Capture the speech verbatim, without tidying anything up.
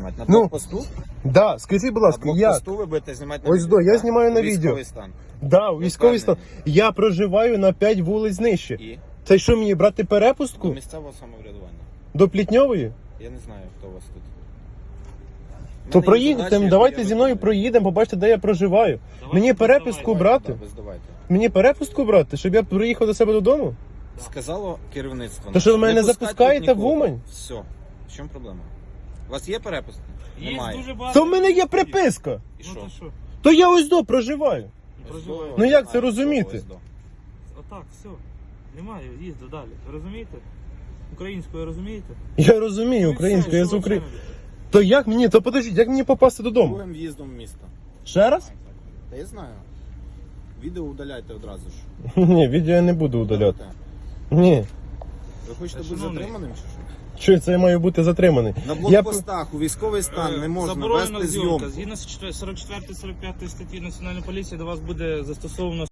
знімати? На Ну, блокпосту? Да, скажіть, будь На ласка, як? блокпосту ви будете знімати на Ось відео, до, я так? знімаю на Військовий відео. стан. Да, військовий стан. впевнений? Я проживаю на п'ять вулиць нижче. І? Це що, мені брати До перепустку? місцевого самоврядування. До Плітньової? Я не знаю, хто у вас тут. У То мене є проїдете, задачі, які давайте я зі мною виконую. проїдемо, побачите, де я проживаю. Давайте Мені ви перепустку здавайте. брати? Да, ви здавайте. Мені перепустку брати, щоб я приїхав до себе додому? Сказало керівництво. То що ви мене не пускати запускаєте тут в нікого. Умань? Все. В чому проблема? У вас є перепустка? Є Немає. дуже багато. То в мене є приписка. І Ну що? то що? То я ось до проживаю. Проживаю. Ну, як це Немає розуміти? такого Отак, все. Немає, їзду далі. Ви розумієте? Українською розумієте? Я розумію Ну і українською, все, я що з ви України. ще робите? То як мені, то подождіть, як мені попасти додому? Другим в'їздом в місто. Ще раз? Та я знаю. Відео удаляйте одразу ж. Ні, відео я не буду удаляти. Ні. Ви хочете бути Шановний. затриманим чи що? Що це я маю бути затриманий? На Я... блокпостах у військовий стан не можна Заборонена вести зйомка. зйомку. Згідно з сорок четвертої сорок п'ятої статті Національної поліції до вас буде застосовано